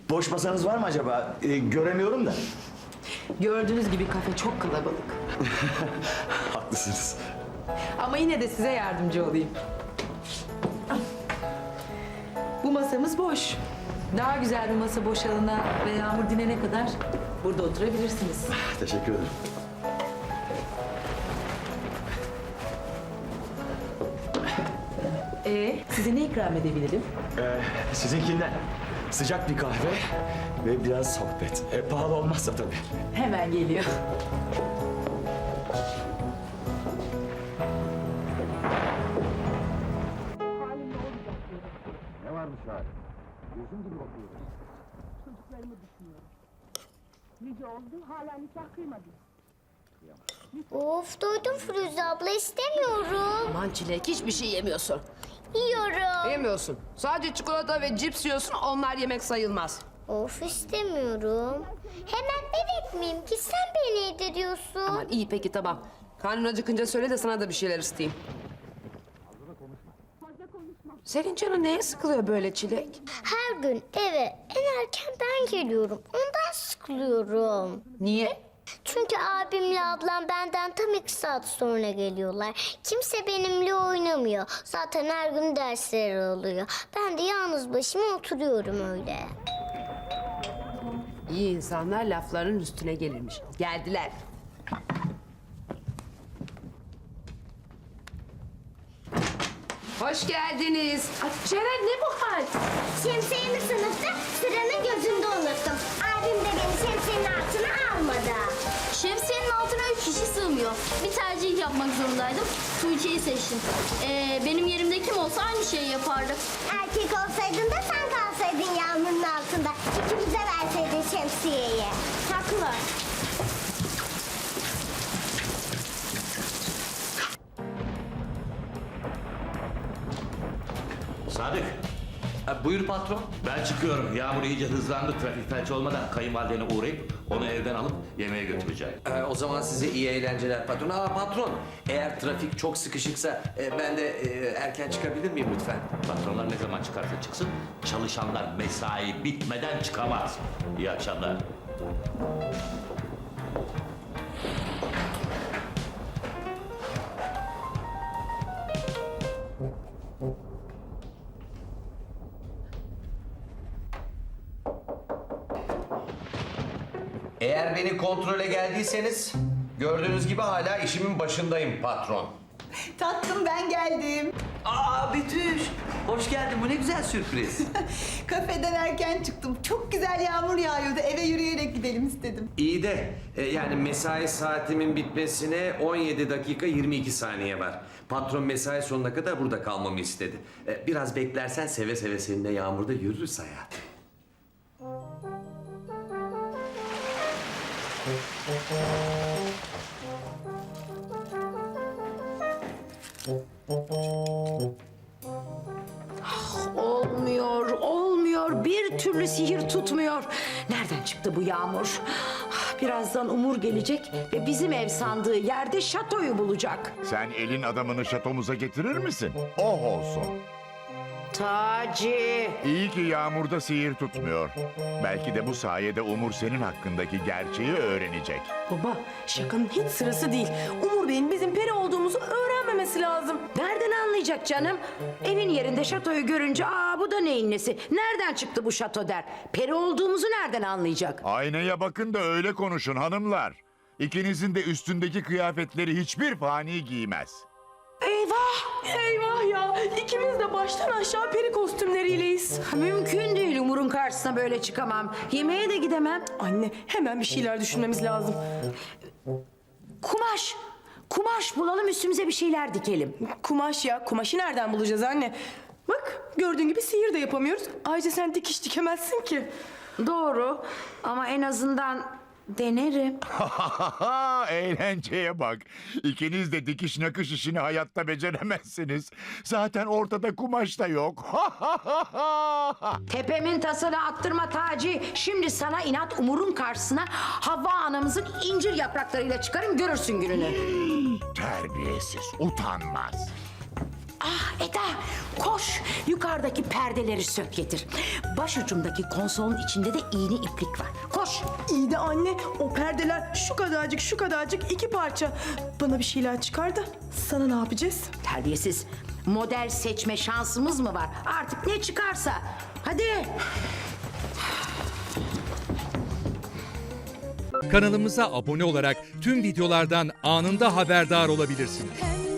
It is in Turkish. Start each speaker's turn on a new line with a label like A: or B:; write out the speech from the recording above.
A: Boş masanız var mı acaba? Göremiyorum da.
B: Gördüğünüz gibi kafe çok kalabalık.
A: Haklısınız.
B: Ama yine de size yardımcı olayım. Bu masamız boş. Daha güzel bir masa boşalana ve Yağmur dinene kadar burada oturabilirsiniz.
A: Teşekkür ederim.
B: Size ne ikram edebilirim?
A: Sizinkinden sıcak bir kahve ve biraz sohbet. Pahalı olmazsa tabii.
B: Hemen geliyor.
C: Ne varmış hali? Gözüm gibi bakıyor.
D: Çocuklarımı düşünüyorum. Nice oldu, hala nikah kıymadım.
E: Of doydum Firuze abla istemiyorum.
F: Aman Çilek hiçbir şey yemiyorsun.
E: Yiyorum.
F: Yemiyorsun. Sadece çikolata ve cips yiyorsun, onlar yemek sayılmaz.
E: Of istemiyorum. Hemen bebek miyim ki sen beni yediriyorsun.
F: Aman iyi peki tamam. Karnın acıkınca söyle de sana da bir şeyler ısıtayım. Senin canın neye sıkılıyor böyle Çilek?
E: Her gün eve en erken ben geliyorum. Ondan sıkılıyorum.
F: Niye?
E: Çünkü abimle ablam benden tam 2 saat sonra geliyorlar. Kimse benimle oynamıyor. Zaten her gün dersleri oluyor. Ben de yalnız başıma oturuyorum öyle.
F: İyi insanlar lafların üstüne gelirmiş. Geldiler. Hoş geldiniz. Ay, Ceren ne bu hal?
E: Şemsiyemi sınıfta sıranın gözünde unuttum. Abim de beni şemsiyenin altına almadı.
G: Şemsiyenin altına 3 kişi sığmıyor. Bir tercih yapmak zorundaydım. Tuğçe'yi seçtim. Benim yerimde kim olsa aynı şeyi yapardı.
E: Erkek olsaydın da sen kalsaydın yağmurun altında. İkimize verseydin şemsiyeyi.
G: Haklılar.
H: Sadık,
I: Buyur patron.
H: ben çıkıyorum. Yağmur iyice hızlandı. Trafik felç olmadan kayınvalidene uğrayıp onu evden alıp yemeğe götüreceğim.
I: O zaman size iyi eğlenceler patron. Patron, eğer trafik çok sıkışıksa ben de erken çıkabilir miyim lütfen?
H: Patronlar ne zaman çıkarsa çıksın, çalışanlar mesai bitmeden çıkamaz. İyi akşamlar.
I: Eğer beni kontrole geldiyseniz gördüğünüz gibi hala işimin başındayım patron.
J: Tatlım ben geldim.
I: Betüş, hoş geldin. Bu ne güzel sürpriz.
J: Kafeden erken çıktım. Çok güzel yağmur yağıyordu. Eve yürüyerek gidelim istedim.
I: İyi de yani mesai saatimin bitmesine 17 dakika 22 saniye var. Patron mesai sonuna kadar burada kalmamı istedi. Biraz beklersen seve seve seninle yağmurda yürürüz hayatım.
F: Olmuyor, olmuyor. Bir türlü sihir tutmuyor. Nereden çıktı bu Yağmur? Birazdan Umur gelecek ve bizim ev sandığı yerde şatoyu bulacak.
C: Sen elin adamını şatomuza getirir misin? Oh olsun.
F: Taci.
C: İyi ki yağmurda sihir tutmuyor. Belki de bu sayede Umur senin hakkındaki gerçeği öğrenecek.
B: Baba, şakanın hiç sırası değil. Umur Bey'in bizim peri olduğumuzu öğrenmemesi lazım.
F: Nereden anlayacak canım? Evin yerinde şatoyu görünce bu da neyin nesi? Nereden çıktı bu şato der. Peri olduğumuzu nereden anlayacak?
C: Aynaya bakın da öyle konuşun hanımlar. İkinizin de üstündeki kıyafetleri hiçbir fani giymez.
B: Eyvah! Eyvah ya! İkimiz de baştan aşağı peri kostümleriyleyiz.
F: Mümkün değil, Umur'un karşısına böyle çıkamam. Yemeğe de gidemem.
B: Anne, hemen bir şeyler düşünmemiz lazım.
F: Kumaş. Kumaş bulalım, üstümüze bir şeyler dikelim.
B: Kumaş ya. Kumaşı nereden bulacağız anne? Bak, gördüğün gibi sihir de yapamıyoruz. Ayrıca sen dikiş dikemezsin ki.
F: Doğru ama en azından denerim.
C: Eğlenceye bak. İkiniz de dikiş nakış işini hayatta beceremezsiniz. Zaten ortada kumaş da yok.
F: Tepemin tasını attırma Taci. Şimdi sana inat Umur'un karşısına Havva anamızın incir yapraklarıyla çıkarım, görürsün gününü.
C: Terbiyesiz, utanmaz.
F: Ah Eda, koş yukarıdaki perdeleri sök getir. Başucumdaki konsolun içinde de iğne iplik var. Koş.
J: İyi de anne, o perdeler şu kadarcık 2 parça. Bana bir şeyler çıkar da sana ne yapacağız?
F: Terbiyesiz. Model seçme şansımız mı var? Artık ne çıkarsa. Hadi.
K: Kanalımıza abone olarak tüm videolardan anında haberdar olabilirsiniz.